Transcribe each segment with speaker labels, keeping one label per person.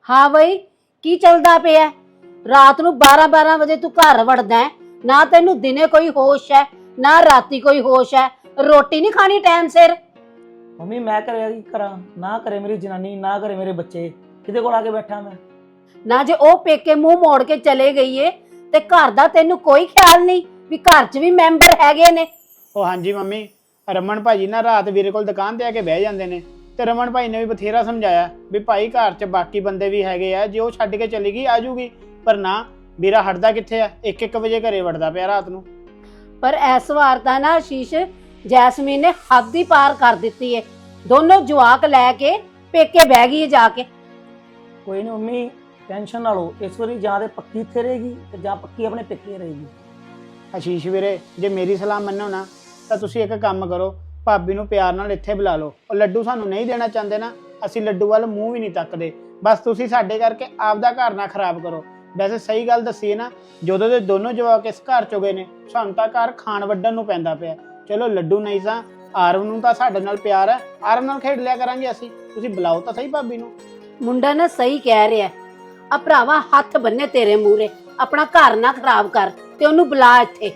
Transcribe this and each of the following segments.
Speaker 1: हाँ बई की चलदा पिया? रात नूं 12-12 वजे तू घर वड़दा है, ना तेनू दिने कोई होश है ना राती कोई होश है। रोटी नहीं खानी टाइम सिर।
Speaker 2: मम्मी मैं करे करा ना करे मेरी जनानी ना करे मेरे बच्चे, किदे कोल आके बैठा मैं?
Speaker 1: ना जे ओ पेके मुंह मोड़ के चले गई है ते घर दा तेनू कोई ख्याल नहीं भी घर च भी मैंबर हैगे ने।
Speaker 3: ਉਹ ਹਾਂਜੀ ਮੰਮੀ ਰਮਨ ਭਾਜੀ ਨਾ ਰਾਤ ਵੀਰੇ ਕੋਲ ਦੁਕਾਨ ਤੇ ਆ ਕੇ ਬਹਿ ਜਾਂਦੇ ਨੇ ਤੇ ਰਮਨ ਭਾਈ ਨੇ ਵੀ ਬਥੇਰਾ ਸਮਝਾਇਆ ਵੀ ਭਾਈ ਘਰ 'ਚ ਬਾਕੀ ਬੰਦੇ ਵੀ ਹੈਗੇ ਆ, ਜੇ ਉਹ ਛੱਡ ਕੇ ਚਲੀ ਗਈ ਆ ਜੂਗੀ, ਪਰ ਨਾ ਵੀਰਾ ਹਟਦਾ ਕਿੱਥੇ ਆ, 1-1 ਵਜੇ ਘਰੇ ਵੜਦਾ ਪਿਆ ਰਾਤ ਨੂੰ।
Speaker 1: पर इस वार तां ना आशीष जैस्मीन ने हद ही पार कर दी है। दोनों जवाक लैके पेके बह गई है जाके।
Speaker 2: कोई नहीं मम्मी टेंशन ना लो, इस वारी ਜਾਂ ਤੇ ਪੱਕੀ ਇੱਥੇ ਰਹੇਗੀ ਤੇ ਜਾਂ ਪੱਕੀ ਆਪਣੇ ਪੇਕੇ ਰਹੇਗੀ।
Speaker 3: ਆਸ਼ੀਸ਼ ਵੀਰੇ ਜੇ ਮੇਰੀ ਸਲਾਹ ਮੰਨੋ ਨਾ ਤਾਂ ਤੁਸੀਂ ਇੱਕ ਕੰਮ ਕਰੋ, ਭਾਬੀ ਨੂੰ ਪਿਆਰ ਨਾਲ ਇੱਥੇ ਬੁਲਾ ਲਓ। ਉਹ ਲੱਡੂ ਸਾਨੂੰ ਨਹੀਂ ਦੇਣਾ ਚਾਹੁੰਦੇ ਨਾ, ਅਸੀਂ ਲੱਡੂ ਵੱਲ ਮੂੰਹ ਵੀ ਨਹੀਂ ਤੱਕਦੇ, ਬਸ ਤੁਸੀਂ ਸਾਡੇ ਕਰਕੇ ਆਪਦਾ ਘਰ ਨਾ ਖਰਾਬ ਕਰੋ। ਵੈਸੇ ਸਹੀ ਗੱਲ ਦੱਸੀਏ ਨਾ, ਜਦੋਂ ਦੇ ਦੋਨੋਂ ਜਵਾਕ ਇਸ ਘਰ ਚੋਂ ਗਏ ਨੇ ਸਾਨੂੰ ਤਾਂ ਘਰ ਖਾਣ ਵੱਢਣ ਨੂੰ ਪੈਂਦਾ ਪਿਆ। ਚਲੋ ਲੱਡੂ ਨਹੀਂ ਸਾਂ, ਆਰਵ ਨੂੰ ਤਾਂ ਸਾਡੇ ਨਾਲ ਪਿਆਰ ਹੈ, ਆਰਵ ਨਾਲ ਖੇਡ ਲਿਆ ਕਰਾਂਗੇ ਅਸੀਂ, ਤੁਸੀਂ ਬੁਲਾਓ ਤਾਂ ਸਹੀ ਭਾਬੀ ਨੂੰ।
Speaker 1: मुंडा ना सही कह रहा है, आ भरावा हथ बन्ने तेरे मूहरे, अपना घर ना खराब कर ते ओनू बुला इत्थे।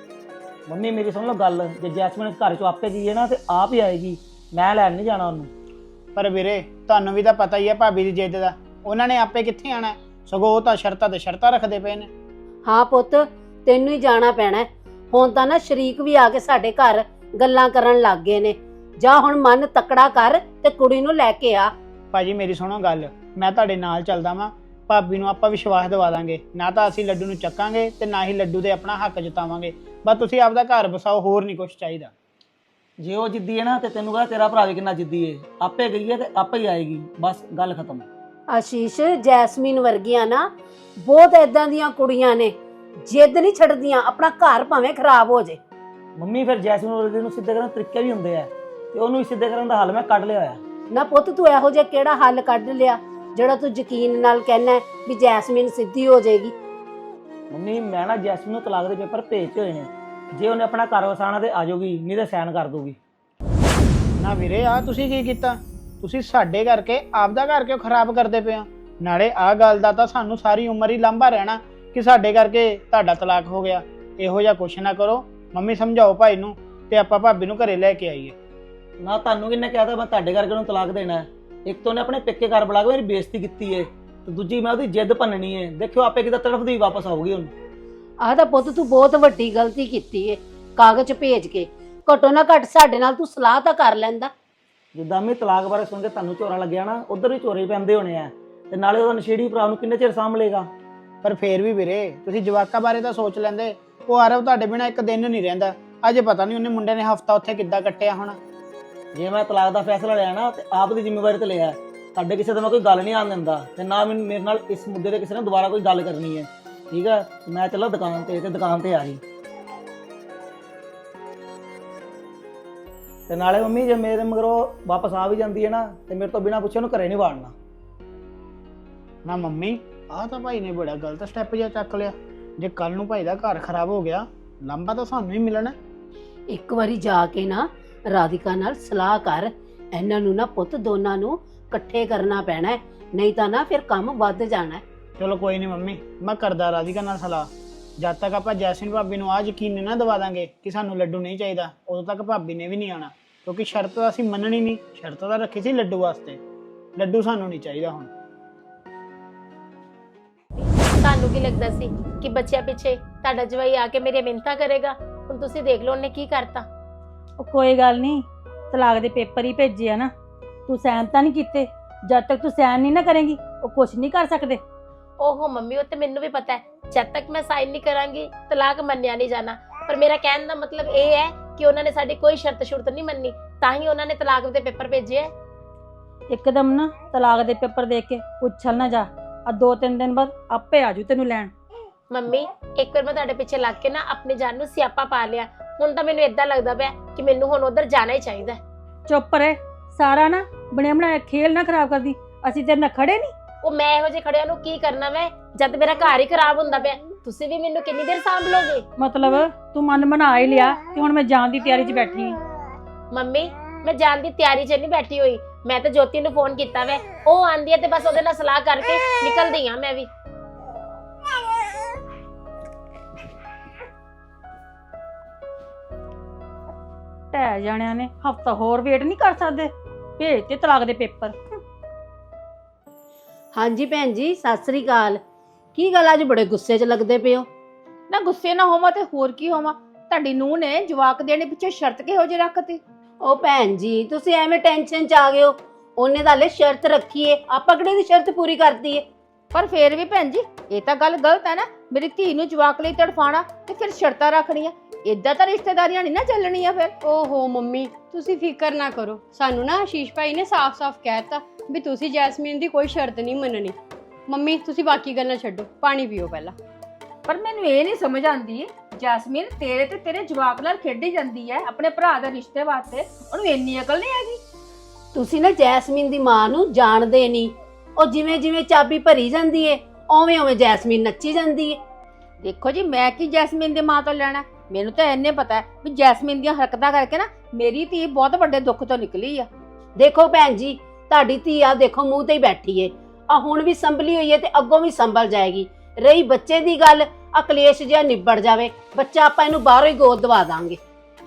Speaker 2: ਮੰਮੀ ਮੇਰੀ ਸੁਣ ਲਓ ਗੱਲ, ਜੇ ਜੈਸਮੀਨ ਘਰ ਚੋਂ ਆਪੇ ਗਈ ਹੈ ਨਾ ਤੇ ਆਪ ਹੀ ਆਏਗੀ, ਮੈਂ ਲੈਣ ਨਹੀਂ ਜਾਣਾ ਉਹਨੂੰ।
Speaker 3: ਪਰ ਵੀਰੇ ਤੁਹਾਨੂੰ ਵੀ ਤਾਂ ਪਤਾ ਹੀ ਹੈ ਭਾਬੀ ਦੀ ਜਿੱਦ ਦਾ, ਉਹਨਾਂ ਨੇ ਆਪੇ ਕਿੱਥੇ ਆਣਾ, ਸਗੋਂ ਉਹ ਤਾਂ ਸ਼ਰਤਾਂ ਤੇ ਸ਼ਰਤਾਂ ਰੱਖਦੇ ਪਏ ਨੇ।
Speaker 1: हाँ पुत तेनू ही जाना पैना है, हुण तां ना शरीक भी आके साडे घर गल्लां करन लग गए ने। जा हुण मन तकड़ा कर ते कुड़ी नू लैके आ।
Speaker 3: ਭਾਜੀ ਮੇਰੀ ਸੁਣੋ ਗੱਲ, ਮੈਂ ਤੁਹਾਡੇ ਨਾਲ ਚੱਲਦਾ ਵਾਂ, ਭਾਬੀ ਨੂੰ ਆਪਾਂ ਵਿਸ਼ਵਾਸ ਦਿਵਾ ਦਾਂਗੇ, ਨਾ ਤਾਂ ਅਸੀਂ ਲੱਡੂ ਨੂੰ ਚੱਕਾਂਗੇ ਤੇ ਨਾ ਹੀ ਲੱਡੂ ਦੇ ਆਪਣਾ ਹੱਕ ਜਤਾਵਾਂਗੇ। ਬਸ ਤੁਸੀਂ ਆਪਦਾ ਘਰ ਬਸਾਓ, ਹੋਰ ਨਹੀਂ ਕੁਝ ਚਾਹੀਦਾ।
Speaker 2: ਜੇ ਉਹ ਜਿੱਦੀ ਹੈ ਨਾ ਤੇ ਤੈਨੂੰ ਕਹਾ ਤੇਰਾ ਭਰਾ ਵੀ ਕਿੰਨਾ ਜਿੱਦੀ ਹੈ, ਆਪੇ ਗਈ ਹੈ ਤੇ ਆਪੇ ਹੀ ਆਏਗੀ, ਬਸ ਗੱਲ ਖਤਮ।
Speaker 1: आशीष जैस्मीन वर्गियां ना बहुत इदां दियां कुड़ियां ने, जिद नहीं छड्डदियां, अपना घर भावें खराब हो जाए।
Speaker 2: ਮੰਮੀ ਫਿਰ ਜੈਸਮੀਨ ਵਰਗੇ ਨੂੰ ਸਿੱਧੇ ਕਰਨ ਦੇ ਤਰੀਕੇ ਵੀ ਹੁੰਦੇ ਆ ਤੇ ਉਹਨੂੰ ਵੀ ਸਿੱਧੇ ਕਰਨ ਦਾ ਹੱਲ ਮੈਂ ਕੱਢ ਲਿਆ ਹੋਇਆ।
Speaker 1: ना पुत तू इहो जिहा किहड़ा हल कढ लिया ਜਿਹੜਾ ਤੂੰ ਯਕੀਨ ਨਾਲ ਕਹਿਣਾ ਵੀ ਜੈਸਮੀਨ ਸਿੱਧੀ ਹੋ ਜਾਏਗੀ।
Speaker 2: ਮੰਮੀ ਮੈਂ ਨਾ ਜੈਸਮੀਨ ਨੂੰ ਤਲਾਕ ਦੇ ਪੇਪਰ ਭੇਜੇ ਹੋਏ ਨੇ, ਜੇ ਉਹਨੇ ਆਪਣਾ ਘਰ ਵਸਾਣਾ ਤੇ ਆ ਜਾਊਗੀ, ਨਹੀਂ ਤੇ ਸਾਈਨ ਕਰ ਦੂਗੀ।
Speaker 3: ਨਾ ਵੀਰੇ ਆ ਤੁਸੀਂ ਕੀ ਕੀਤਾ, ਤੁਸੀਂ ਸਾਡੇ ਕਰਕੇ ਆਪਦਾ ਘਰ ਕਿਉਂ ਖਰਾਬ ਕਰਦੇ ਪਏ ਹੋ? ਨਾਲੇ ਆਹ ਗੱਲ ਦਾ ਤਾਂ ਸਾਨੂੰ ਸਾਰੀ ਉਮਰ ਹੀ ਲਾਂਭਾ ਰਹਿਣਾ ਕਿ ਸਾਡੇ ਕਰਕੇ ਤੁਹਾਡਾ ਤਲਾਕ ਹੋ ਗਿਆ। ਇਹੋ ਜਿਹਾ ਕੁਛ ਨਾ ਕਰੋ, ਮੰਮੀ ਸਮਝਾਓ ਭਾਈ ਨੂੰ ਤੇ ਆਪਾਂ ਭਾਬੀ ਨੂੰ ਘਰੇ ਲੈ ਕੇ ਆਈਏ।
Speaker 2: ਨਾ ਤੁਹਾਨੂੰ ਕਿੰਨੇ ਕਹਿਤਾ ਮੈਂ ਤੁਹਾਡੇ ਕਰਕੇ ਉਹਨੂੰ ਤਲਾਕ ਦੇਣਾ? ਇੱਕ ਤਾਂ ਉਹਨੇ ਆਪਣੇ ਪੇਕੇ ਘਰ ਬੁਲਾ ਕੇ ਮੇਰੀ ਬੇਇੱਜ਼ਤੀ ਕੀਤੀ ਹੈ ਤੇ ਦੂਜੀ ਮੈਂ ਉਹਦੀ ਜਿੱਦ ਭੰਨਣੀ ਹੈ। ਦੇਖਿਓ ਆਪੇ ਕਿਤੇ ਤੜਫਦੀ ਵਾਪਸ ਆਊਗੀ ਹੁਣ।
Speaker 1: ਆਹ ਤਾਂ ਪੁੱਤ ਤੂੰ ਬਹੁਤ ਵੱਡੀ ਗਲਤੀ ਕੀਤੀ ਏ, ਕਾਗਜ਼ ਭੇਜ ਕੇ। ਘੱਟੋ ਨਾ ਘੱਟ ਸਾਡੇ ਨਾਲ ਤੂੰ ਸਲਾਹ ਤਾਂ ਕਰ ਲੈਂਦਾ।
Speaker 2: ਜਿੱਦਾਂ ਮੈਂ ਤਲਾਕ ਬਾਰੇ ਸੁਣ ਕੇ ਤੁਹਾਨੂੰ ਚੋਰਾ ਲੱਗਿਆ ਨਾ, ਉਧਰ ਵੀ ਚੋਰੇ ਪੈਂਦੇ ਹੋਣੇ ਆ ਤੇ ਨਾਲੇ ਉਹਦਾ ਨਸ਼ੇੜੀ ਭਰਾ ਨੂੰ ਕਿੰਨੇ ਚਿਰ ਸਾਂਭ ਲਏਗਾ।
Speaker 3: ਪਰ ਫੇਰ ਵੀ ਵੀਰੇ ਤੁਸੀਂ ਜਵਾਕਾਂ ਬਾਰੇ ਤਾਂ ਸੋਚ ਲੈਂਦੇ। ਉਹ ਆਰਵ ਤੁਹਾਡੇ ਬਿਨਾਂ ਇੱਕ ਦਿਨ ਨਹੀਂ ਰਹਿੰਦਾ, ਅਜੇ ਪਤਾ ਨਹੀਂ ਉਹਨੇ ਮੁੰਡੇ ਨੇ ਹਫਤਾ ਉੱਥੇ ਕਿੱਦਾਂ ਕੱਟਿਆ ਹੋਣਾ।
Speaker 2: ਜੇ ਮੈਂ ਤਲਾਕ ਦਾ ਫੈਸਲਾ ਲਿਆ ਨਾ ਤੇ ਆਪ ਦੀ ਜ਼ਿੰਮੇਵਾਰੀ ਤੇ ਲਿਆ, ਤੁਹਾਡੇ ਕਿਸੇ ਤੋਂ ਮੈਂ ਕੋਈ ਗੱਲ ਨਹੀਂ ਆਉਣ ਦਿੰਦਾ ਤੇ ਨਾ ਮੈਨੂੰ ਮੇਰੇ ਨਾਲ ਇਸ ਮੁੱਦੇ ਤੇ ਕਿਸੇ ਨੇ ਦੁਬਾਰਾ ਕੋਈ ਗੱਲ ਕਰਨੀ ਹੈ, ਠੀਕ ਹੈ? ਮੈਂ ਚੱਲਾਂ ਦੁਕਾਨ ਤੇ ਦੁਕਾਨ ਤੇ ਆ ਰਹੀ। ਤੇ ਨਾਲੇ ਮੰਮੀ ਜੇ ਮੇਰੇ ਮਗਰੋਂ ਵਾਪਸ ਆ ਵੀ ਜਾਂਦੀ ਹੈ ਨਾ ਤੇ ਮੇਰੇ ਤੋਂ ਬਿਨਾਂ ਪੁੱਛੇ ਉਹਨੂੰ ਘਰੇ ਨਹੀਂ ਵਾੜਨਾ।
Speaker 3: ਨਾ ਮੰਮੀ ਆਹ ਤਾਂ ਭਾਈ ਨੇ ਬੜਾ ਗਲਤ ਸਟੈਪ ਜਿਹਾ ਚੱਕ ਲਿਆ। ਜੇ ਕੱਲ ਨੂੰ ਭਾਈ ਦਾ ਘਰ ਖਰਾਬ ਹੋ ਗਿਆ, ਲੰਬਾ ਤਾਂ ਸਾਨੂੰ ਹੀ ਮਿਲਣਾ।
Speaker 1: ਇੱਕ ਵਾਰੀ ਜਾ ਕੇ ਨਾ ਰਾਧਿਕਾ ਨਾਲ ਸਲਾਹ ਕਰ, ਇਹਨਾਂ ਨੂੰ ਨਾ ਪੁੱਤ ਦੋਨਾਂ ਨੂੰ ਇਕੱਠੇ ਕਰਨਾ ਪੈਣਾ ਹੈ, ਨਹੀਂ ਤਾਂ ਨਾ ਫਿਰ ਕੰਮ ਵੱਧ ਜਾਣਾ ਹੈ।
Speaker 3: ਚਲੋ ਕੋਈ ਨਹੀਂ ਮੰਮੀ, ਮੈਂ ਕਰਦਾ ਰਾਧਿਕਾ ਨਾਲ ਸਲਾਹ। ਜਦ ਤੱਕ ਆਪਾਂ ਜੈਸਮੀਨ ਭਾਬੀ ਨੂੰ ਆਹ ਯਕੀਨ ਨਾ ਦਵਾ ਦਾਂਗੇ ਕਿ ਸਾਨੂੰ ਲੱਡੂ ਨਹੀਂ ਚਾਹੀਦਾ, ਉਦੋਂ ਤੱਕ ਭਾਬੀ ਨੇ ਵੀ ਨਹੀਂ ਆਣਾ, ਕਿਉਂਕਿ ਸ਼ਰਤ ਤਾਂ ਅਸੀਂ ਮੰਨਣੀ ਨਹੀਂ। ਸ਼ਰਤ ਤਾਂ ਰੱਖੀ ਸੀ ਲੱਡੂ ਵਾਸਤੇ, ਲੱਡੂ ਸਾਨੂੰ ਨਹੀਂ ਚਾਹੀਦਾ ਹੁਣ।
Speaker 4: ਤੁਹਾਨੂੰ ਕੀ ਲੱਗਦਾ ਸੀ ਕਿ ਬੱਚਿਆਂ ਪਿੱਛੇ ਤੁਹਾਡਾ ਜਵਾਈ ਆ ਕੇ ਮੇਰੇ ਮਿੰਨਤਾਂ ਕਰੇਗਾ? ਹੁਣ ਤੁਸੀਂ ਦੇਖ ਲਓ ਉਹਨੇ ਕੀ ਕਰਤਾ।
Speaker 5: ਉਹ ਕੋਈ ਗੱਲ ਨਹੀਂ, ਤਲਾਕ ਦੇ ਪੇਪਰ ਹੀ ਭੇਜੇ ਆ ਨਾ, ਤੂੰ ਸਾਈਨ ਤਾਂ ਨਹੀਂ ਕੀਤੇ। ਜਦ ਤੱਕ ਤੂੰ ਸਾਈਨ ਨਹੀਂ ਨਾ ਕਰੇਂਗੀ ਉਹ ਕੁਝ ਨਹੀਂ ਕਰ ਸਕਦੇ।
Speaker 4: ਓਹੋ ਮੰਮੀ, ਉਹ ਤੇ ਮੈਨੂੰ ਵੀ ਪਤਾ ਹੈ, ਜਦ ਤੱਕ ਮੈਂ ਸਾਈਨ ਨਹੀਂ ਕਰਾਂਗੀ ਤਲਾਕ ਮੰਨਿਆ ਨਹੀਂ ਜਾਣਾ। ਪਰ ਮੇਰਾ ਕਹਿਣ ਦਾ ਮਤਲਬ ਇਹ ਹੈ ਕਿ ਉਹਨਾਂ ਨੇ ਸਾਡੀ ਕੋਈ ਸ਼ਰਤ ਸ਼ੁਰਤ ਨਹੀਂ ਮੰਨੀ, ਤਾਂ ਹੀ ਉਹਨਾਂ ਨੇ ਤਲਾਕ ਦੇ ਪੇਪਰ ਭੇਜੇ ਹੈ।
Speaker 5: ਇੱਕਦਮ ਨਾ ਤਲਾਕ ਦੇ ਪੇਪਰ ਦੇਖ ਕੇ ਪੁੱਛਲ ਨਾ ਜਾ, ਆ 2-3 ਦਿਨ ਬਾਅਦ ਆਪੇ ਆਜੂ ਤੈਨੂੰ ਲੈਣ।
Speaker 4: ਮੰਮੀ ਇੱਕ ਵਾਰ ਮੈਂ ਤੁਹਾਡੇ ਪਿੱਛੇ ਲੱਗ ਕੇ ਨਾ ਆਪਣੀ ਜਾਨ ਨੂੰ ਸਿਆਪਾ ਪਾ ਲਿਆ, ਹੁਣ ਤਾਂ ਮੈਨੂੰ ਏਦਾਂ ਲੱਗਦਾ ਪਿਆ ਕਿ ਮੈਨੂੰ ਹੁਣ ਉਧਰ ਜਾਣਾ ਹੀ ਚਾਹੀਦਾ।
Speaker 5: ਚੁੱਪ ਰਹਿ, ਸਾਰਾ ਨਾ ਬਣਿਆ ਬਣਾਇਆ ਖੇਲ ਨਾ ਖਰਾਬ ਕਰਦੀ, ਅਸੀਂ ਤੇਰੇ ਨਾਲ ਖੜੇ ਨਹੀਂ।
Speaker 4: ਉਹ ਮੈਂ ਇਹੋ ਜਿਹੇ ਖੜਿਆਂ ਨੂੰ ਕੀ ਕਰਨਾ ਮੈਂ, ਜਦ ਮੇਰਾ ਘਰ ਹੀ ਖਰਾਬ ਹੁੰਦਾ ਪਿਆ। ਤੁਸੀਂ ਵੀ ਮੈਨੂੰ ਕਿੰਨੀ ਦੇਰ ਸਾਂਭ ਲਓਗੇ?
Speaker 5: ਮਤਲਬ ਤੂੰ ਮਨ ਬਣਾ ਹੀ ਲਿਆ ਕਿ ਹੁਣ ਮੈਂ ਜਾਣ ਦੀ ਤਿਆਰੀ 'ਚ ਬੈਠੀ ਹਾਂ।
Speaker 4: ਮੰਮੀ ਮੈਂ ਜਾਣ ਦੀ ਤਿਆਰੀ 'ਚ ਨਹੀਂ ਬੈਠੀ ਹੋਈ। ਮੈਂ ਤਾਂ ਜੋਤੀ ਨੂੰ ਫੋਨ ਕੀਤਾ ਵੈ, ਉਹ ਆਂਦੀ ਹੈ ਤੇ ਬਸ ਉਹਦੇ ਨਾਲ ਸਲਾਹ ਕਰਕੇ ਨਿਕਲਦੀ ਆ ਮੈਂ ਵੀ।
Speaker 5: ਢਹਿ ਜਾਣਿਆਂ ਨੇ ਹਫਤਾ ਹੋਰ ਵੇਟ ਨਹੀਂ ਕਰ ਸਕਦੇ, ਭੇਜ ਤੇ ਤਲਾਕ ਦੇ ਪੇਪਰ।
Speaker 1: ਹਾਂਜੀ ਭੈਣ ਜੀ, ਸਤਿ ਸ੍ਰੀ ਅਕਾਲ। ਕੀ ਗੱਲ ਅੱਜ ਬੜੇ ਗੁੱਸੇ 'ਚ ਲੱਗਦੇ ਪਏ ਹੋ?
Speaker 6: ਨਾ ਗੁੱਸੇ ਨਾ ਹੋਵਾਂ ਤੇ ਹੋਰ ਕੀ ਹੋਵਾਂ, ਤੁਹਾਡੀ ਨੂੰਹ ਨੇ ਜਵਾਕ ਦੇਣੇ ਪਿੱਛੇ ਸ਼ਰਤ ਕਿਹੋ ਜਿਹੀ ਰੱਖਤੀ?
Speaker 1: ਉਹ ਭੈਣ ਜੀ, ਤੁਸੀਂ ਐਵੇਂ ਟੈਨਸ਼ਨ 'ਚ ਆ ਗਏ ਹੋ। ਉਹਨੇ ਤਾਂ ਹਲੇ ਸ਼ਰਤ ਰੱਖੀ ਏ, ਆਪਾਂ ਕਿਹੜੀ ਦੀ ਸ਼ਰਤ ਪੂਰੀ ਕਰਤੀ ਏ?
Speaker 6: ਪਰ ਫੇਰ ਵੀ ਭੈਣ ਜੀ, ਇਹ ਤਾਂ ਗੱਲ ਗਲਤ ਹੈ ਨਾ। ਮੇਰੀ ਧੀ ਨੂੰ ਜਵਾਕ ਲਈ ਤੜਫਾਣਾ ਤੇ ਫਿਰ ਸ਼ਰਤਾਂ ਰੱਖਣੀਆਂ, ਏਦਾਂ ਤਾਂ ਰਿਸ਼ਤੇਦਾਰੀਆਂ ਨਹੀਂ ਨਾ ਚੱਲਣੀਆਂ ਫਿਰ।
Speaker 7: ਓਹੋ ਮੰਮੀ, ਤੁਸੀਂ ਫਿਕਰ ਨਾ ਕਰੋ। ਸਾਨੂੰ ਨਾ ਆਸ਼ੀਸ਼ ਭਾਈ ਨੇ ਸਾਫ਼-ਸਾਫ਼ ਕਹਿਤਾ ਵੀ ਤੁਸੀਂ ਜੈਸਮੀਨ ਦੀ ਕੋਈ ਸ਼ਰਤ ਨਹੀਂ ਮੰਨਣੀ। ਮੰਮੀ ਤੁਸੀਂ ਬਾਕੀ ਗੱਲਾਂ ਛੱਡੋ, ਪਾਣੀ ਪੀਓ ਪਹਿਲਾਂ।
Speaker 6: ਪਰ ਮੈਨੂੰ ਇਹ ਨਹੀਂ ਸਮਝ ਆਉਂਦੀ, ਜੈਸਮੀਨ ਤੇਰੇ ਤੇ ਤੇਰੇ ਜਵਾਕ ਨਾਲ ਖੇਡੀ ਜਾਂਦੀ ਹੈ ਆਪਣੇ ਭਰਾ ਦੇ ਰਿਸ਼ਤੇ ਵਾਸਤੇ, ਉਹਨੂੰ ਇੰਨੀ ਅਕਲ ਨਹੀਂ ਹੈਗੀ?
Speaker 1: ਤੁਸੀਂ ਨਾ ਜੈਸਮੀਨ ਦੀ ਮਾਂ ਨੂੰ ਜਾਣਦੇ ਨਹੀਂ। ਉਹ ਜਿਵੇਂ ਜਿਵੇਂ ਚਾਬੀ ਭਰੀ ਜਾਂਦੀ ਏ, ਓਵੇਂ ਓਵੇਂ ਜੈਸਮੀਨ ਨੱਚੀ ਜਾਂਦੀ ਏ।
Speaker 6: ਦੇਖੋ ਜੀ, ਮੈਂ ਕੀ ਜੈਸਮੀਨ ਦੇ ਮਾਂ ਤੋਂ ਲੈਣਾ? ਮੈਨੂੰ ਤਾਂ ਇੰਨੇ ਪਤਾ ਹੈ ਵੀ ਜੈਸਮੀਨ ਦੀਆਂ ਹਰਕਤਾਂ ਕਰਕੇ ਨਾ ਮੇਰੀ ਧੀ ਬਹੁਤ ਵੱਡੇ ਦੁੱਖ ਤੋਂ ਨਿਕਲੀ ਆ।
Speaker 1: ਦੇਖੋ ਭੈਣ ਜੀ, ਤੁਹਾਡੀ ਧੀ ਆ ਦੇਖੋ ਮੂੰਹ ਤੇ ਹੀ ਬੈਠੀ ਏ, ਆ ਹੁਣ ਵੀ ਸੰਭਲੀ ਹੋਈ ਏ ਤੇ ਅੱਗੋਂ ਵੀ ਸੰਭਲ ਜਾਏਗੀ। ਰਹੀ ਬੱਚੇ ਦੀ ਗੱਲ, ਅਕਲੇਸ਼ ਜਿਹਾ ਨਿਬੜ ਜਾਵੇ, ਬੱਚਾ ਆਪਾਂ ਇਹਨੂੰ ਬਾਹਰੋਂ ਹੀ ਗੋਦ ਦਵਾ ਦਾਂਗੇ।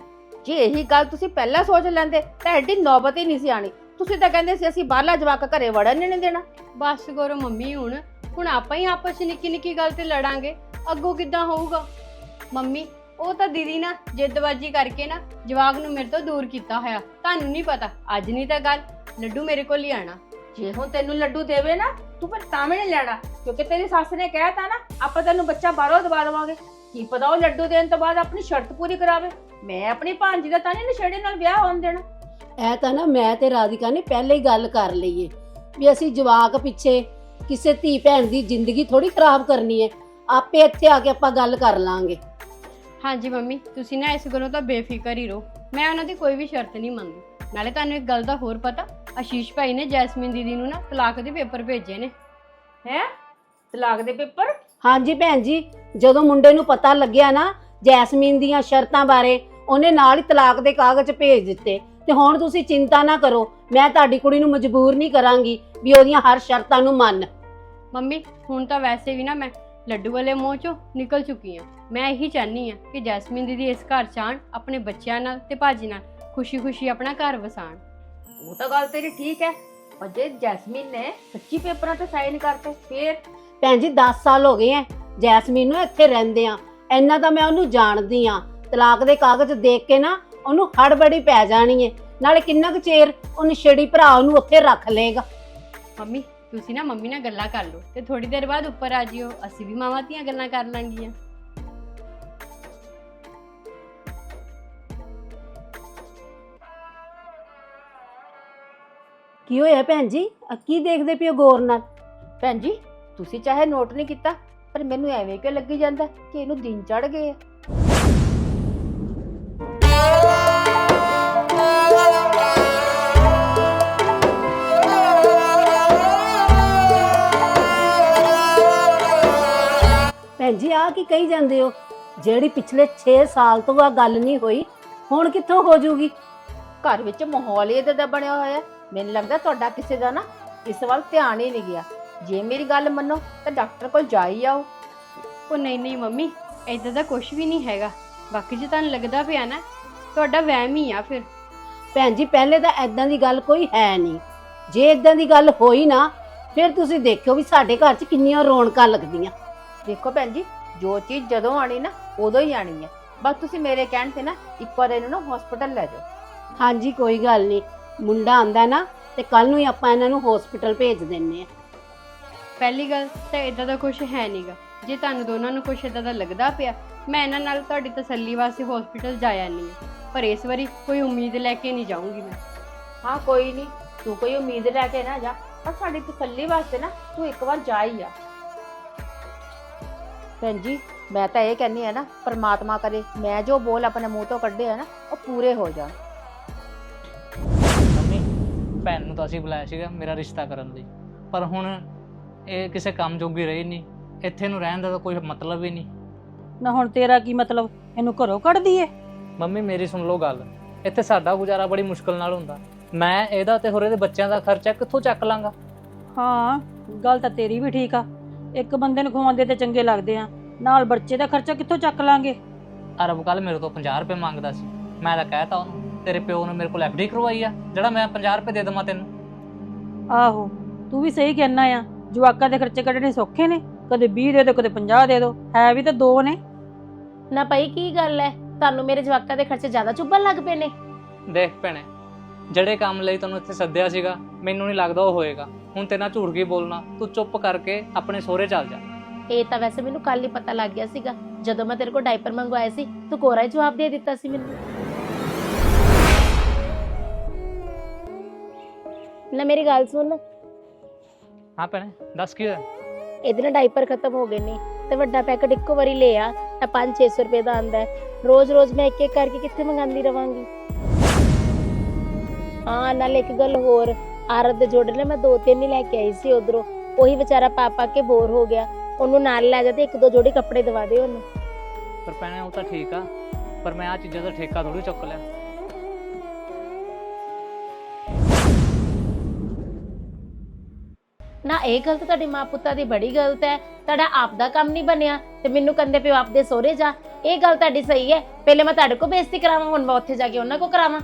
Speaker 6: ਜੇ ਇਹੀ ਗੱਲ ਤੁਸੀਂ ਪਹਿਲਾਂ ਸੋਚ ਲੈਂਦੇ ਤਾਂ ਐਡੀ ਨੌਬਤ ਹੀ ਨਹੀਂ ਸੀ ਆਣੀ। ਤੁਸੀਂ ਤਾਂ ਕਹਿੰਦੇ ਸੀ ਅਸੀਂ ਬਾਹਰਲਾ ਜਵਾਕ ਘਰੇ ਵੜਨ ਨਹੀਂ ਦੇਣਾ।
Speaker 7: ਬਸ ਕਰੋ ਮੰਮੀ, ਹੁਣ ਆਪਾਂ ਹੀ ਆਪਸ ਚ ਨਿੱਕੀ ਗੱਲ ਤੇ ਲੜਾਂਗੇ, ਅੱਗੋਂ ਕਿੱਦਾਂ ਹੋਊਗਾ? ਮੰਮੀ ਉਹ ਤਾਂ ਦੀਦੀ ਨਾ ਜਿੱਦਬਾਜੀ ਕਰਕੇ ਨਾ ਜਵਾਕ ਨੂੰ ਮੇਰੇ ਤੋਂ ਦੂਰ ਕੀਤਾ ਹੋਇਆ, ਤੁਹਾਨੂੰ ਨਹੀਂ ਪਤਾ। ਅੱਜ ਨਹੀਂ ਤਾਂ ਗੱਲ ਲੱਡੂ ਮੇਰੇ ਕੋਲ ਹੀ ਆਣਾ।
Speaker 6: ਜੇ ਹੁਣ ਤੈਨੂੰ ਲੱਡੂ ਦੇਵੇ ਨਾ, ਤੂੰ ਫਿਰ ਤਾਂ ਵੀ ਨਹੀਂ ਲੈਣਾ, ਕਿਉਂਕਿ ਤੇਰੀ ਸੱਸ ਨੇ ਕਹਿਤਾ ਨਾ ਆਪਾਂ ਤੈਨੂੰ ਬੱਚਾ ਬਾਹਰੋਂ ਦਵਾ ਦੇਵਾਂਗੇ। ਕੀ ਪਤਾ ਉਹ ਲੱਡੂ ਦੇਣ ਤੋਂ ਬਾਅਦ ਆਪਣੀ ਸ਼ਰਤ ਪੂਰੀ ਕਰਾਵੇ। ਮੈਂ ਆਪਣੀ ਭਾਂਜੀ ਦਾ ਤਾਂ ਨਹੀਂ ਨਸ਼ੇੜੀ ਨਾਲ ਵਿਆਹ ਹੋਣ ਦੇਣਾ।
Speaker 1: ਇਹ ਤਾਂ ਨਾ ਮੈਂ ਤੇ ਰਾਧਿਕਾ ਨੇ ਪਹਿਲੇ ਹੀ ਗੱਲ ਕਰ ਲਈ ਏ ਵੀ ਅਸੀਂ ਜਵਾਕ ਪਿੱਛੇ ਕਿਸੇ ਧੀ ਭੈਣ ਦੀ ਜ਼ਿੰਦਗੀ ਥੋੜੀ ਖਰਾਬ ਕਰਨੀ ਏ। ਆਪੇ ਇੱਥੇ ਆ ਕੇ ਆਪਾਂ ਗੱਲ ਕਰ ਲਾਂਗੇ।
Speaker 7: ਹਾਂਜੀ ਮੰਮੀ, ਤੁਸੀਂ ਨਾ ਇਸ ਗੱਲੋਂ ਤਾਂ ਬੇਫਿਕਰ ਹੀ ਰਹੋ। ਮੈਂ ਉਹਨਾਂ ਦੀ ਕੋਈ ਵੀ ਸ਼ਰਤ ਨਹੀਂ ਮੰਨਦੀ। ਨਾਲੇ ਤੁਹਾਨੂੰ ਇੱਕ ਗੱਲ ਦਾ ਹੋਰ ਪਤਾ, ਆਸ਼ੀਸ਼ ਭਾਈ ਨੇ ਜੈਸਮੀਨ ਦੀਦੀ ਨੂੰ ਨਾ ਤਲਾਕ ਦੇ ਪੇਪਰ ਭੇਜੇ ਨੇ।
Speaker 6: ਹੈ ਤਲਾਕ ਦੇ ਪੇਪਰ?
Speaker 1: ਹਾਂਜੀ ਭੈਣ ਜੀ, ਜਦੋਂ ਮੁੰਡੇ ਨੂੰ ਪਤਾ ਲੱਗਿਆ ਨਾ ਜੈਸਮੀਨ ਦੀਆਂ ਸ਼ਰਤਾਂ ਬਾਰੇ, ਉਹਨੇ ਨਾਲ ਹੀ ਤਲਾਕ ਦੇ ਕਾਗਜ਼ ਭੇਜ ਦਿੱਤੇ। ਤੇ ਹੁਣ ਤੁਸੀਂ ਚਿੰਤਾ ਨਾ ਕਰੋ, ਮੈਂ ਤੁਹਾਡੀ ਕੁੜੀ ਨੂੰ ਮਜਬੂਰ ਨਹੀਂ ਕਰਾਂਗੀ ਵੀ ਉਹਦੀਆਂ ਹਰ ਸ਼ਰਤਾਂ ਨੂੰ ਮੰਨ।
Speaker 7: ਮੰਮੀ ਹੁਣ ਤਾਂ ਵੈਸੇ ਵੀ ਨਾ ਮੈਂ ਲੱਡੂ ਵਾਲੇ ਮੂੰਹ ਚੋਂ ਨਿਕਲ ਚੁੱਕੀ ਹਾਂ। ਮੈਂ ਇਹੀ ਚਾਹਨੀ ਹਾਂ ਕਿ ਜੈਸਮੀਨ ਦੀਦੀ ਇਸ ਘਰ 'ਚ ਆਉਣ, ਆਪਣੇ ਬੱਚਿਆਂ ਨਾਲ ਤੇ ਭਾਜੀ ਨਾਲ ਖੁਸ਼ੀ-ਖੁਸ਼ੀ ਆਪਣਾ ਘਰ ਵਸਾਣ।
Speaker 6: ਉਹ ਤਾਂ ਗੱਲ ਤੇਰੀ ਠੀਕ ਹੈ, ਪਰ ਜੇ ਜੈਸਮੀਨ ਨੇ ਸੱਚੀ ਪੇਪਰਾਂ ਤੇ ਸਾਈਨ ਕਰਤੇ ਫੇਰ?
Speaker 1: ਭੈਣ ਜੀ 10 ਸਾਲ ਹੋ ਗਏ ਐ ਜੈਸਮੀਨ ਨੂੰ ਇੱਥੇ ਰਹਿੰਦੇ ਆ, ਇੰਨਾ ਤਾਂ ਮੈਂ ਉਹਨੂੰ ਜਾਣਦੀ ਆ। ਤਲਾਕ ਦੇ ਕਾਗਜ਼ ਦੇਖ ਕੇ ਨਾ ਉਹਨੂੰ ਹੜਬੜੀ ਪੈ ਜਾਣੀ ਏ। ਨਾਲੇ ਕਿੰਨਾ ਕੁ ਚਿਰ ਉਹ ਨਸ਼ੇੜੀ ਭਰਾ ਉਹਨੂੰ ਉੱਥੇ ਰੱਖ ਲਏਗਾ।
Speaker 7: ਮੰਮੀ ਤੁਸੀਂ ਨਾ ਮੰਮੀ ਨਾਲ ਗੱਲਾਂ ਕਰ ਲਓ ਤੇ ਥੋੜੀ ਦੇਰ ਬਾਅਦ ਉੱਪਰ ਆ ਜਿਓ, ਅਸੀਂ ਵੀ ਮਾਵਾਂ ਧੀਆਂ ਗੱਲਾਂ ਕਰ ਲਾਂਗੀਆਂ।
Speaker 1: ਕੀ ਹੋਇਆ ਭੈਣ ਜੀ? ਕੀ ਦੇਖਦੇ ਪਿਓ ਗੌਰ ਨਾਲ?
Speaker 6: ਭੈਣ ਜੀ ਤੁਸੀਂ ਚਾਹੇ ਨੋਟ ਨਹੀਂ ਕੀਤਾ, ਪਰ ਮੈਨੂੰ ਐਵੇਂ ਕਿਉਂ ਲੱਗੀ ਜਾਂਦਾ ਕਿ ਇਹਨੂੰ ਦਿਨ ਚੜ ਗਏ ਆ।
Speaker 1: ਭੈਣ ਜੀ ਆ ਕੀ ਕਹੀ ਜਾਂਦੇ ਹੋ? ਜਿਹੜੀ ਪਿਛਲੇ 6 ਸਾਲ ਤੋਂ ਆ ਗੱਲ ਨਹੀਂ ਹੋਈ, ਹੁਣ ਕਿੱਥੋਂ ਹੋ ਜੂਗੀ?
Speaker 6: ਘਰ ਵਿੱਚ ਮਾਹੌਲ ਹੀ ਏਦਾਂ ਦਾ ਬਣਿਆ ਹੋਇਆ ਹੈ। ਮੈਨੂੰ ਲੱਗਦਾ ਤੁਹਾਡਾ ਕਿਸੇ ਦਾ ਨਾ ਇਸ ਵੱਲ ਧਿਆਨ ਹੀ ਨਹੀਂ ਗਿਆ। ਜੇ ਮੇਰੀ ਗੱਲ ਮੰਨੋ ਤਾਂ ਡਾਕਟਰ ਕੋਲ ਜਾ ਹੀ ਆਓ।
Speaker 7: ਉਹ ਨਹੀਂ ਮੰਮੀ, ਏਦਾਂ ਦਾ ਕੁਝ ਵੀ ਨਹੀਂ ਹੈਗਾ। ਬਾਕੀ ਜੇ ਤੁਹਾਨੂੰ ਲੱਗਦਾ ਪਿਆ ਨਾ, ਤੁਹਾਡਾ ਵਹਿਮ ਹੀ ਆ ਫਿਰ।
Speaker 1: ਭੈਣ ਜੀ ਪਹਿਲੇ ਤਾਂ ਐਦਾਂ ਦੀ ਗੱਲ ਕੋਈ ਹੈ ਨਹੀਂ। ਜੇ ਐਦਾਂ ਦੀ ਗੱਲ ਹੋਈ ਨਾ, ਫਿਰ ਤੁਸੀਂ ਦੇਖਿਓ ਵੀ ਸਾਡੇ ਘਰ 'ਚ ਕਿੰਨੀਆਂ ਰੌਣਕਾਂ ਲੱਗਦੀਆਂ।
Speaker 6: ਦੇਖੋ ਭੈਣ ਜੀ, ਜੋ ਚੀਜ਼ ਜਦੋਂ ਆਣੀ ਨਾ ਉਦੋਂ ਹੀ ਆਣੀ ਹੈ। ਬਸ ਤੁਸੀਂ ਮੇਰੇ ਕਹਿਣ ਤੇ ਨਾ ਇੱਕ ਵਾਰ ਇਹਨੂੰ ਨਾ ਹਸਪੀਟਲ ਲੈ ਜਾਓ।
Speaker 1: ਹਾਂਜੀ ਕੋਈ ਗੱਲ ਨਹੀਂ, ਮੁੰਡਾ ਆਂਦਾ ਨਾ ਤੇ ਕੱਲ ਨੂੰ ਹੀ ਆਪਾਂ ਇਹਨਾਂ ਨੂੰ ਹਸਪੀਟਲ ਭੇਜ ਦਿੰਨੇ ਆ।
Speaker 7: ਪਹਿਲੀ ਗੱਲ ਤਾਂ ਇਦਾਂ ਦਾ ਕੁਝ ਹੈ ਨਹੀਂਗਾ। ਜੇ ਤੁਹਾਨੂੰ ਦੋਨਾਂ ਨੂੰ ਕੁਝ ਇਦਾਂ ਦਾ ਲੱਗਦਾ ਪਿਆ, ਮੈਂ ਇਹਨਾਂ ਨਾਲ ਤੁਹਾਡੀ ਤਸੱਲੀ ਵਾਸਤੇ ਹਸਪੀਟਲ ਜਾਇਆ ਨਹੀਂ ਹੈ। ਪਰ ਇਸ ਵਾਰੀ ਕੋਈ ਉਮੀਦ ਲੈ ਕੇ ਨਹੀਂ ਜਾਊਂਗੀ ਮੈਂ।
Speaker 6: ਹਾਂ ਕੋਈ ਨਹੀਂ, ਤੂੰ ਕੋਈ ਉਮੀਦ ਲੈ ਕੇ ਨਾ ਜਾ, ਪਰ ਸਾਡੀ ਤਸੱਲੀ ਵਾਸਤੇ ਨਾ ਤੂੰ ਇੱਕ ਵਾਰ ਜਾ ਹੀ ਆ। ਭੈਣ ਜੀ ਮੈਂ ਤਾਂ ਇਹ ਕਹਿੰਦੀ ਆ ਨਾ, ਪਰਮਾਤਮਾ ਕਰੇ ਮੈਂ ਜੋ ਬੋਲ ਆਪਣੇ ਮੂੰਹ ਤੋਂ ਕੱਢੇ ਆ ਨਾ ਉਹ ਪੂਰੇ ਹੋ ਜਾਣ।
Speaker 8: ਮੰਮੀ ਭੈਣ ਨੂੰ ਤਾਂ ਅਸੀਂ ਬੁਲਾਇਆ ਸੀਗਾ ਮੇਰਾ ਰਿਸ਼ਤਾ ਕਰਨ ਲਈ, ਪਰ ਹੁਣ ਇਹ ਕਿਸੇ ਕੰਮ ਜੋਗੀ ਰਹੀ ਨਹੀਂ। ਇੱਥੇ ਨੂੰ ਰਹਿਣ ਦਾ ਤਾਂ ਕੋਈ ਮਤਲਬ ਹੀ ਨਹੀਂ।
Speaker 5: ਨਾ ਹੁਣ ਤੇਰਾ ਕੀ ਮਤਲਬ? ਇਹਨੂੰ ਘਰੋਂ ਕੱਢ ਦਈਏ?
Speaker 8: ਮੰਮੀ ਮੇਰੀ ਸੁਣ ਲਓ ਗੱਲ, ਇੱਥੇ ਸਾਡਾ ਗੁਜ਼ਾਰਾ ਬੜੀ ਮੁਸ਼ਕਲ ਨਾਲ ਹੁੰਦਾ। ਮੈਂ ਇਹਦਾ ਤੇ ਹੋਰ ਇਹਦੇ ਬੱਚਿਆਂ ਦਾ ਖਰਚਾ ਕਿੱਥੋਂ ਚੱਕ ਲਾਂਗਾ?
Speaker 5: ਹਾਂ ਗੱਲ ਤਾਂ ਤੇਰੀ ਵੀ ਠੀਕ ਆ, ਇੱਕ ਬੰਦੇ ਨੂੰ ਖਵਾਉਂਦੇ ਤੇ ਚੰਗੇ ਲੱਗਦੇ ਆ, ਨਾਲ ਬੱਚੇ ਦਾ ਖਰਚਾ ਕਿੱਥੋਂ ਚੱਕ ਲਾਂਗੇ?
Speaker 8: ਅਰਬ ਕੱਲ ਮੇਰੇ ਤੋਂ 50 ਰੁਪਏ ਮੰਗਦਾ ਸੀ। ਮੈਂ ਤਾਂ ਕਹਿਤਾ ਉਹਨੂੰ ਤੇਰੇ ਪਿਓ ਨੇ ਮੇਰੇ ਕੋਲ ਐਫਡੀ ਕਰਵਾਈ ਆ, ਜਿਹੜਾ ਮੈਂ 50 ਰੁਪਏ ਦੇ ਦੇਵਾਂ ਤੈਨੂੰ।
Speaker 5: ਆਹੋ ਤੂੰ ਵੀ ਸਹੀ ਕਹਿਣਾ ਆ, ਜਵਾਕਾਂ ਦੇ ਖਰਚੇ ਕੱਢਣੇ ਸੌਖੇ ਨੇ, ਕਦੇ 20 ਦੇ ਦੋ ਕਦੇ 50 ਦੇ ਦੋ, ਹੈ ਵੀ ਤਾਂ ਦੋ ਨੇ।
Speaker 4: ਨਾ ਭਾਈ ਕੀ ਗੱਲ ਹੈ, ਤੁਹਾਨੂੰ ਮੇਰੇ ਜਵਾਕਾਂ ਦੇ ਖਰਚੇ ਜ਼ਿਆਦਾ ਚੁੱਭਣ ਲੱਗ ਪਏ ਨੇ?
Speaker 8: ਦੇਖ ਭੈਣੇ, ਜਿਹੜੇ ਕੰਮ ਲਈ ਤੈਨੂੰ ਇੱਥੇ ਸੱਦਿਆ ਸੀਗਾ ਮੈਨੂੰ ਨਹੀਂ ਲੱਗਦਾ ਉਹ ਹੋਏਗਾ। ਹੁਣ ਤੇਰੇ ਨਾਲ ਝੂਠ ਕੀ ਬੋਲਣਾ, ਤੂੰ ਚੁੱਪ ਕਰਕੇ ਆਪਣੇ ਸਹੁਰੇ ਚੱਲ ਜਾ।
Speaker 4: ਇਹ ਤਾਂ ਵੈਸੇ ਮੈਨੂੰ ਕੱਲ ਹੀ ਪਤਾ ਲੱਗ ਗਿਆ ਸੀਗਾ, ਜਦੋਂ ਮੈਂ ਤੇਰੇ ਕੋਲ ਡਾਈਪਰ ਮੰਗਵਾਏ ਸੀ ਤੂੰ ਕੋਰਾ ਹੀ ਜਵਾਬ ਦੇ ਦਿੱਤਾ ਸੀ ਮੈਨੂੰ। ਨਾ ਮੇਰੀ ਗੱਲ ਸੁਣ,
Speaker 8: ਹਾਂ ਭੈਣੇ ਦੱਸ ਕੀ ਹੋਇਆ?
Speaker 4: ਇਹਦੇ ਨਾਲ ਡਾਈਪਰ ਖਤਮ ਹੋ ਗਏ ਨੇ ਤੇ ਵੱਡਾ ਪੈਕਟ ਇੱਕੋ ਵਾਰੀ ਲੈ ਆ, ਤਾਂ 500-600 ਰੁਪਏ ਦਾ ਆਂਦਾ ਹੈ। ਰੋਜ਼-ਰੋਜ਼ ਮੈਂ ਇੱਕ-ਇੱਕ ਕਰਕੇ ਕਿੱਥੇ ਮੰਗਾਉਂਦੀ ਰਵਾਂਗੀ। ਹਾਂ ਨਾਲ ਇੱਕ ਗੱਲ ਹੋਰ, ਆਰਤ ਦੇ ਜੋੜੇ ਨੇ ਮੈਂ 2-3 ਹੀ ਲੈ ਕੇ ਆਈ ਸੀ ਉਧਰੋਂ, ਉਹੀ ਵਿਚਾਰਾ ਪਾ ਕੇ ਬੋਰ ਹੋ ਗਿਆ, ਉਹਨੂੰ ਨਾਲ ਲੈ ਜਾ ਤੇ 1-2 ਜੋੜੀ ਕੱਪੜੇ ਦਵਾ ਦੇ ਉਹਨੂੰ।
Speaker 8: ਪਰ ਭੈਣੇ ਉਹ ਤਾਂ ਠੀਕ ਆ, ਪਰ ਮੈਂ ਆ ਚੀਜ਼ਾਂ ਦਾ ਠੇਕਾ ਥੋੜੀ ਚੁੱਕ ਲਿਆ।
Speaker 4: ਨਾ ਇਹ ਗਲਤ ਤੁਹਾਡੀ ਮਾਂ ਪੁੱਤਾਂ ਦੀ ਬੜੀ ਗਲਤ ਹੈ। ਤੁਹਾਡਾ ਆਪ ਦਾ ਕੰਮ ਨਹੀਂ ਬਣਿਆ ਤੇ ਮੈਨੂੰ ਕਹਿੰਦੇ ਪਿਓ ਆਪਦੇ ਸਹੁਰੇ ਜਾ, ਇਹ ਗੱਲ ਤੁਹਾਡੀ ਸਹੀ ਹੈ। ਪਹਿਲੇ ਮੈਂ ਤੁਹਾਡੇ ਕੋਲ ਬੇਇੱਜ਼ਤੀ ਕਰਾਵਾਂ, ਹੁਣ ਮੈਂ ਉੱਥੇ ਜਾ ਕੇ ਉਹਨਾਂ ਕੋਲ ਕਰਾਵਾਂ।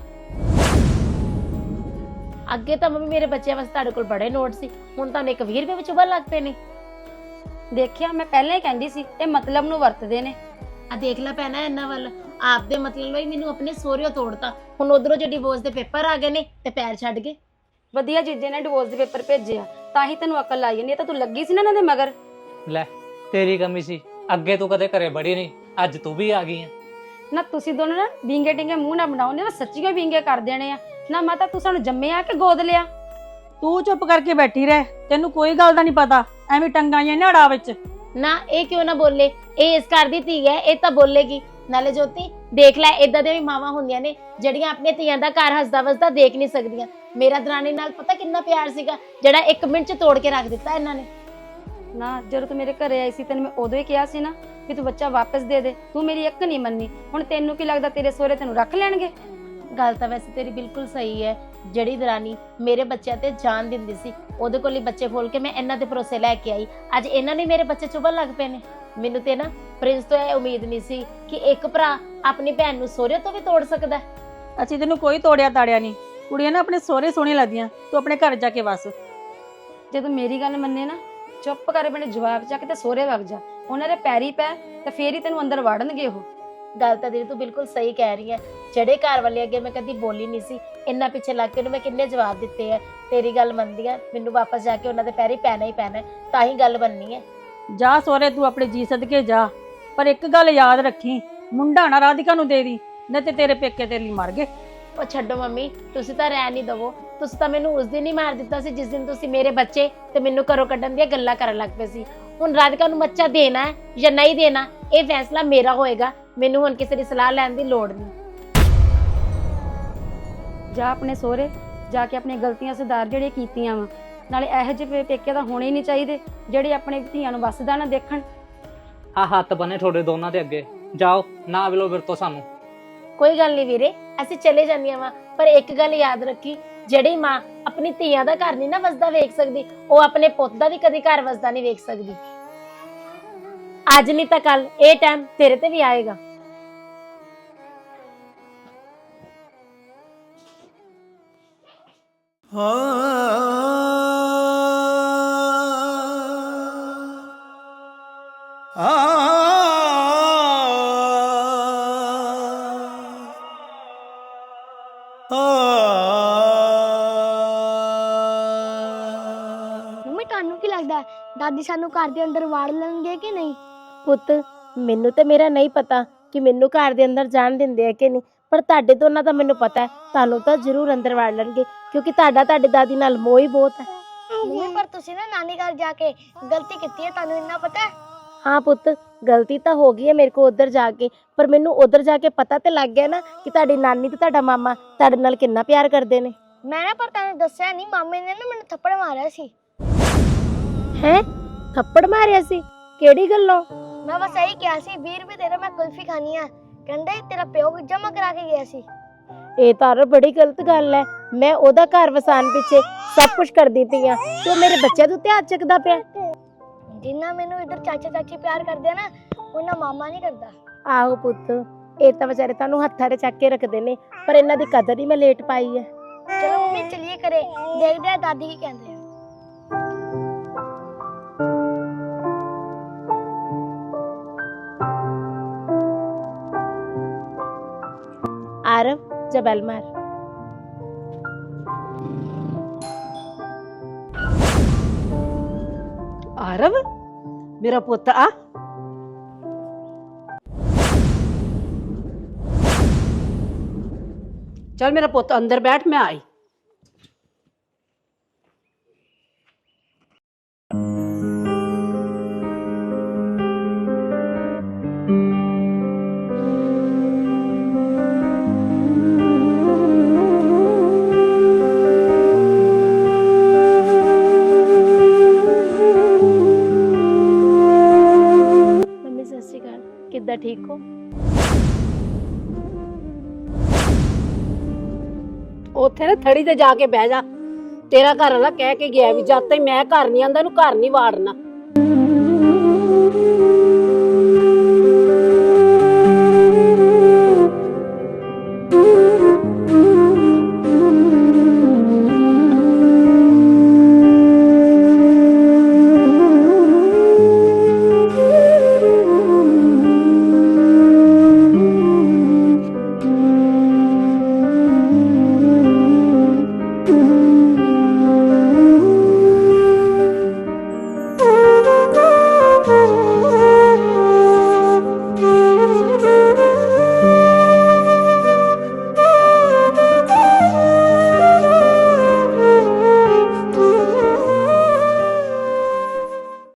Speaker 4: ਅੱਗੇ ਤਾਂ ਮੰਮੀ ਮੇਰੇ ਬੱਚਿਆਂ ਵਾਸਤੇ ਤੁਹਾਡੇ ਕੋਲ ਬੜੇ ਨੋਟ ਸੀ, ਹੁਣ ਤੁਹਾਨੂੰ ਇੱਕ 20 ਰੁਪਏ ਵਿੱਚ ਉਬਲ ਲੱਗ ਪਏ ਨੇ।
Speaker 6: ਦੇਖਿਆ, ਮੈਂ ਪਹਿਲਾਂ ਹੀ ਕਹਿੰਦੀ ਸੀ ਇਹ ਮਤਲਬ ਨੂੰ ਵਰਤਦੇ ਨੇ।
Speaker 4: ਆ ਦੇਖ ਲੈ ਪੈਣਾ ਇਹਨਾਂ ਵੱਲ, ਆਪਦੇ ਮਤਲਬ ਲਈ ਮੈਨੂੰ ਆਪਣੇ ਸਹੁਰਿਓ ਤੋੜਤਾ, ਹੁਣ ਉਧਰੋਂ ਜੇ ਡਿਵੋਰਸ ਦੇ ਪੇਪਰ ਆ ਗਏ ਨੇ ਤੇ ਪੈਰ ਛੱਡ ਗਏ।
Speaker 6: ਵਧੀਆ ਜੀਜੇ ਨੇ ਡਿਵੋਰਸ ਦੇ ਪੇਪਰ ਭੇਜੇ ਆ, ਤਾਂ ਹੀ ਤੈਨੂੰ ਅਕਲ ਆਈ ਨਹੀਂ ਤਾਂ ਤੂੰ ਲੱਗੀ ਸੀ ਨਾ ਇਹਨਾਂ ਦੇ ਮਗਰ।
Speaker 8: ਲੈ ਤੇਰੀ ਕਮੀ ਸੀ, ਅੱਗੇ ਤੂੰ ਕਦੇ ਘਰੇ ਬੜੀ ਨਹੀਂ, ਅੱਜ ਤੂੰ ਵੀ ਆ ਗਈ ਆ।
Speaker 6: ਨਾ ਤੁਸੀਂ ਦੋਨੋਂ ਨਾ ਵਿੰਗੇ ਟਿੰਗੇ ਮੂੰਹ ਨਾ ਬਣਾਓ, ਨੇ ਸੱਚੀਓ ਵਿੰਗੇ ਕਰ ਦੇਣੇ ਆ। ਨਾ ਮਾਤਾ ਤੂੰ ਸਾਨੂੰ ਜੰਮਿਆ ਕਿ ਗੋਦ ਲਿਆ?
Speaker 5: ਤੂੰ ਚੁੱਪ ਕਰਕੇ ਬੈਠੀ ਰਹਿ, ਤੈਨੂੰ ਕੋਈ ਗੱਲ ਦਾ ਨਹੀਂ ਪਤਾ, ਐਵੇਂ ਟੰਗਾਂ ਜਾਂ ਨਾੜਾ ਵਿੱਚ।
Speaker 4: ਨਾ ਇਹ ਕਿਉਂ ਨਾ ਬੋਲੇ, ਇਹ ਇਸ ਘਰ ਦੀ ਧੀ ਹੈ, ਇਹ ਤਾਂ ਬੋਲੇਗੀ। ਨਾਲੇ ਜੋਤੀ ਦੇਖ ਲੈ, ਇਦਾਂ ਦੀਆਂ ਵੀ ਮਾਵਾਂ ਹੁੰਦੀਆਂ ਨੇ ਜਿਹੜੀਆਂ ਆਪਣੀਆਂ ਧੀਆਂ ਦਾ ਘਰ ਹੱਸਦਾ ਵਸਦਾ ਦੇਖ ਨਹੀਂ ਸਕਦੀਆਂ। ਮੇਰਾ ਦਰਾਣੀ ਨਾਲ ਪਤਾ ਕਿੰਨਾ ਪਿਆਰ ਸੀਗਾ, ਜਿਹੜਾ 1 ਮਿੰਟ ਚ ਤੋੜ ਕੇ ਰੱਖ ਦਿੱਤਾ ਇਹਨਾਂ ਨੇ।
Speaker 6: ਨਾ ਜਦੋਂ ਤੂੰ ਮੇਰੇ ਘਰੇ ਆਈ ਸੀ ਤੈਨੂੰ ਮੈਂ ਉਦੋਂ ਹੀ ਕਿਹਾ ਸੀ ਨਾ ਕਿ ਤੂੰ ਬੱਚਾ ਵਾਪਸ ਦੇ ਦੇ, ਤੂੰ ਮੇਰੀ ਇੱਕ ਨਹੀਂ ਮੰਨੀ। ਹੁਣ ਤੈਨੂੰ ਕੀ ਲੱਗਦਾ ਤੇਰੇ ਸਹੁਰੇ ਤੈਨੂੰ ਰੱਖ ਲੈਣਗੇ?
Speaker 4: ਗੱਲ ਤਾਂ ਵੈਸੇ ਤੇਰੀ ਬਿਲਕੁਲ ਸਹੀ ਹੈ। ਜਿਹੜੀ ਦਰਾਨੀ ਮੇਰੇ ਬੱਚਿਆਂ ਤੇ ਜਾਨ ਦਿੰਦੀ ਸੀ, ਉਹਦੇ ਕੋਲ ਹੀ ਬੱਚੇ ਖੋਲ ਕੇ ਮੈਂ ਇਹਨਾਂ ਦੇ ਭਰੋਸੇ ਲੈ ਕੇ ਆਈ, ਅੱਜ ਇਹਨਾਂ ਨੇ ਮੇਰੇ ਬੱਚੇ ਚੁਭਣ ਲੱਗ ਪਏ ਨੇ। ਮੈਨੂੰ ਤੇ ਨਾ ਪ੍ਰਿੰਸ ਤੋਂ ਇਹ ਉਮੀਦ ਨਹੀਂ ਸੀ ਕਿ ਇੱਕ ਭਰਾ ਆਪਣੀ ਭੈਣ ਨੂੰ ਸਹੁਰੇ ਤੋਂ ਵੀ ਤੋੜ ਸਕਦਾ।
Speaker 5: ਅਸੀਂ ਤੈਨੂੰ ਕੋਈ ਤੋੜਿਆ ਤਾੜਿਆ ਨਹੀਂ, ਕੁੜੀਆਂ ਨਾ ਆਪਣੇ ਸਹੁਰੇ ਸੋਹਣੀਆਂ ਲੱਗਦੀਆਂ, ਤੂੰ ਆਪਣੇ ਘਰ ਜਾ ਕੇ ਵਸ।
Speaker 6: ਜੇ ਤੂੰ ਮੇਰੀ ਗੱਲ ਮੰਨੇ ਨਾ, ਚੁੱਪ ਕਰ ਆਪਣੇ ਜਵਾਬ ਚੱਕ ਤੇ ਸਹੁਰੇ ਵਗ ਜਾ, ਉਹਨਾਂ ਦੇ ਪੈਰੀ ਪੈ ਤੇ ਫੇਰ ਹੀ ਤੈਨੂੰ ਅੰਦਰ ਵਾੜਨਗੇ ਉਹ।
Speaker 4: ਗੱਲ ਤਾਂ ਦੀਦੀ ਤੂੰ ਬਿਲਕੁਲ ਸਹੀ ਕਹਿ ਰਹੀ ਹੈ। ਜਿਹੜੇ ਘਰ ਵਾਲੇ ਅੱਗੇ ਮੈਂ ਕਦੀ ਬੋਲੀ ਨਹੀਂ ਸੀ, ਇੰਨਾ ਪਿੱਛੇ ਲੱਗ ਕੇ ਉਹਨੂੰ ਮੈਂ ਕਿੰਨੇ ਜਵਾਬ ਦਿੱਤੇ ਹੈ। ਤੇਰੀ ਗੱਲ ਮੰਨਦੀ ਆ, ਮੈਨੂੰ ਵਾਪਸ ਜਾ ਕੇ ਉਹਨਾਂ ਦੇ ਪੈਰੀ ਪੈਣਾ ਹੀ ਪੈਣਾ, ਤਾਂ ਹੀ ਗੱਲ ਬਣਨੀ ਹੈ।
Speaker 5: ਜਾ ਸਹੁਰੇ ਤੂੰ ਆਪਣੇ ਜੀ ਸਦਕੇ ਜਾ, ਪਰ ਇੱਕ ਗੱਲ ਯਾਦ ਰੱਖੀ, ਮੁੰਡਾ ਨਾ ਰਾਧਿਕਾ ਨੂੰ ਦੇ ਦੀ, ਨਹੀਂ ਤੇ ਤੇਰੇ ਪੇਕੇ ਤੇਰੇ ਲਈ ਮਰ ਗਏ।
Speaker 4: ਉਹ ਛੱਡੋ ਮੰਮੀ, ਤੁਸੀਂ ਤਾਂ ਰਹਿ ਨਹੀਂ ਦਵੋ। ਤੁਸੀਂ ਤਾਂ ਮੈਨੂੰ ਉਸ ਦਿਨ ਹੀ ਮਾਰ ਦਿੱਤਾ ਸੀ ਜਿਸ ਦਿਨ ਤੁਸੀਂ ਮੇਰੇ ਬੱਚੇ ਤੇ ਮੈਨੂੰ ਘਰੋਂ ਕੱਢਣ ਦੀਆਂ ਗੱਲਾਂ ਕਰਨ ਲੱਗ ਪਏ ਸੀ। ਹੁਣ ਰਾਧਿਕਾ ਨੂੰ ਬੱਚਾ ਦੇਣਾ ਹੈ ਜਾਂ ਨਹੀਂ ਦੇਣਾ, ਇਹ ਫੈਸਲਾ ਮੇਰਾ ਹੋਏਗਾ। ਮੈਨੂੰ ਹੁਣ ਕਿਸੇ ਦੀ ਸਲਾਹ ਲੈਣ ਦੀ ਲੋੜ ਨਹੀਂ।
Speaker 6: ਜਾ ਆਪਣੇ ਸਹੁਰੇ ਜਾ ਕੇ ਆਪਣੀਆਂ ਗਲਤੀਆਂ ਸੁਧਾਰ ਜਿਹੜੀਆਂ ਕੀਤੀਆਂ ਵਾ। ਨਾਲੇ ਇਹੋ ਜਿਹੇ ਪੇਕੇ ਤਾਂ ਹੋਣੇ ਹੀ ਨਹੀਂ ਚਾਹੀਦੇ ਜਿਹੜੇ ਆਪਣੇ ਧੀਆਂ ਨੂੰ ਵੱਸਦਾ ਨਾ ਦੇਖਣ।
Speaker 8: ਆ ਹੱਥ ਬੰਨੇ ਤੁਹਾਡੇ ਦੋਨਾਂ ਦੇ ਅੱਗੇ, ਜਾਓ ਨਾ ਵਿਲੋ ਫਿਰ ਤੋਂ ਸਾਨੂੰ।
Speaker 4: ਕੋਈ ਗੱਲ ਨਹੀਂ ਵੀਰੇ, ਅਸੀਂ ਚਲੇ ਜਾਂਦੀਆਂ ਵਾ, ਪਰ ਇੱਕ ਗੱਲ ਯਾਦ ਰੱਖੀ, ਜਿਹੜੀ ਮਾਂ ਆਪਣੀ ਧੀਆਂ ਦਾ ਘਰ ਨਹੀਂ ਨਾ ਵਸਦਾ ਵੇਖ ਸਕਦੀ, ਉਹ ਆਪਣੇ ਪੁੱਤ ਦਾ ਵੀ ਕਦੀ ਘਰ ਵਸਦਾ ਨਹੀਂ ਵੇਖ ਸਕਦੀ। ਅੱਜ ਨਹੀਂ ਤਾਂ ਕੱਲ ਇਹ ਟਾਈਮ ਤੇਰੇ ਤੇ ਵੀ ਆਏਗਾ।
Speaker 9: ਮੰਮੀ ਤੁਹਾਨੂੰ ਕੀ ਲੱਗਦਾ ਦਾਦੀ ਸਾਨੂੰ ਘਰ ਦੇ ਅੰਦਰ ਵਾੜ ਲੈਣਗੇ ਕਿ ਨਹੀਂ?
Speaker 4: ਪੁੱਤ ਮੈਨੂੰ ਤੇ ਮੇਰਾ ਨਹੀਂ ਪਤਾ ਕਿ ਮੈਨੂੰ ਘਰ ਦੇ ਅੰਦਰ ਜਾਣ ਦਿੰਦੇ ਆ ਕਿ ਨਹੀਂ, ਪਰ ਤੁਹਾਡੇ ਦੋਨਾਂ ਦਾ ਮੈਨੂੰ ਪਤਾ ਹੈ, ਤੁਹਾਨੂੰ ਤਾਂ ਜ਼ਰੂਰ ਅੰਦਰ ਵਾੜ ਲੈਣਗੇ, ਕਿਉਂਕਿ ਤੁਹਾਡੀ ਦਾਦੀ ਨਾਲ ਮੋਹ ਹੀ ਬਹੁਤ ਹੈ।
Speaker 9: ਮੰਮੀ ਪਰ ਤੁਸੀਂ ਨਾ ਨਾਨੀ ਘਰ ਜਾ ਕੇ ਗਲਤੀ ਕੀਤੀ ਹੈ, ਤੁਹਾਨੂੰ ਇੰਨਾ ਪਤਾ ਹੈ?
Speaker 4: ਹਾਂ ਪੁੱਤ, ਗਲਤੀ ਤਾਂ ਹੋ ਗਈ ਹੈ ਮੇਰੇ ਕੋਲ ਉੱਧਰ ਜਾ ਕੇ, ਪਰ ਮੈਨੂੰ ਉੱਧਰ ਜਾ ਕੇ ਪਤਾ ਤੇ ਲੱਗ ਗਿਆ ਨਾ ਕਿ ਤੁਹਾਡੀ ਨਾਨੀ ਤੇ ਤੁਹਾਡਾ ਮਾਮਾ ਤੁਹਾਡੇ ਨਾਲ ਕਿੰਨਾ ਪਿਆਰ ਕਰਦੇ ਨੇ।
Speaker 9: ਮੈਂ ਨਾ ਪਰ ਤੁਹਾਨੂੰ ਦੱਸਿਆ ਨਹੀਂ, ਮਾਮੇ ਨੇ ਨਾ ਮੈਨੂੰ ਥੱਪੜ ਮਾਰਿਆ ਸੀ।
Speaker 4: ਹੈ? ਥੱਪੜ ਮਾਰਿਆ ਸੀ? ਕਿਹੜੀ ਗੱਲੋਂ?
Speaker 9: ਮੈਂ ਬਸ ਇਹੀ ਕਿਹਾ ਸੀ 20 ਰੁਪਏ ਦੇ ਦੇ, ਮੈਂ ਕੁਲਫੀ ਖਾਣੀ ਆ। ਕਹਿੰਦੇ ਤੇਰਾ ਪਿਓ ਜਮਾ ਕਰਾ ਕੇ ਗਿਆ ਸੀ।
Speaker 4: ਇਹ ਤਾਂ ਬੜੀ ਗਲਤ ਗੱਲ ਹੈ। ਮੈਂ ਉਹਦਾ ਘਰ ਵਸਾਉਣ ਪਿੱਛੇ ਸਭ ਕੁਝ ਕਰਦੀ ਪਈ ਆ ਤੇ ਉਹ ਮੇਰੇ ਬੱਚਿਆਂ ਤੋਂ ਧਿਆਨ ਚੱਕਦਾ ਪਿਆ।
Speaker 9: ਜਿੰਨਾ ਮੈਨੂੰ ਇੱਧਰ ਚਾਚਾ ਚਾਚੀ ਪਿਆਰ ਕਰਦੇ ਆ ਨਾ, ਉਹਨਾਂ ਮਾਮਾ ਨਹੀਂ ਕਰਦਾ।
Speaker 4: ਆਹੋ ਪੁੱਤ, ਇਹ ਤਾਂ ਵਿਚਾਰੇ ਤੁਹਾਨੂੰ ਹੱਥਾਂ 'ਤੇ ਚੱਕ ਕੇ ਰੱਖਦੇ ਨੇ, ਪਰ ਇਹਨਾਂ ਦੀ ਕਦਰ ਹੀ ਮੈਂ ਲੇਟ ਪਾਈ ਹੈ।
Speaker 9: ਚਲੋ ਮੰਮੀ ਚਲੀਏ ਘਰੇ, ਦੇਖਦੇ ਆ ਦਾਦੀ ਕੀ ਕਹਿੰਦੇ ਆ।
Speaker 4: आरव जा बेल मार।
Speaker 1: ਆਰਵ ਮੇਰਾ ਪੁੱਤ ਆ ਚੱਲ ਮੇਰਾ ਪੁੱਤ ਅੰਦਰ ਬੈਠ, ਮੈਂ ਆਈ।
Speaker 4: मम्मी सत श्री अकाल, किद्दां ठीक हो?
Speaker 1: ਉੱਥੇ ਨਾ ਥੜੀ ਤੇ ਜਾ ਕੇ ਬਹਿ ਜਾ। ਤੇਰਾ ਘਰ ਵਾਲਾ ਕਹਿ ਕੇ ਗਿਆ ਵੀ ਜਦ ਤੱਕ ਮੈਂ ਘਰ ਨਹੀਂ ਆਂਦਾ ਇਹਨੂੰ ਘਰ ਨਹੀਂ ਵਾੜਨਾ।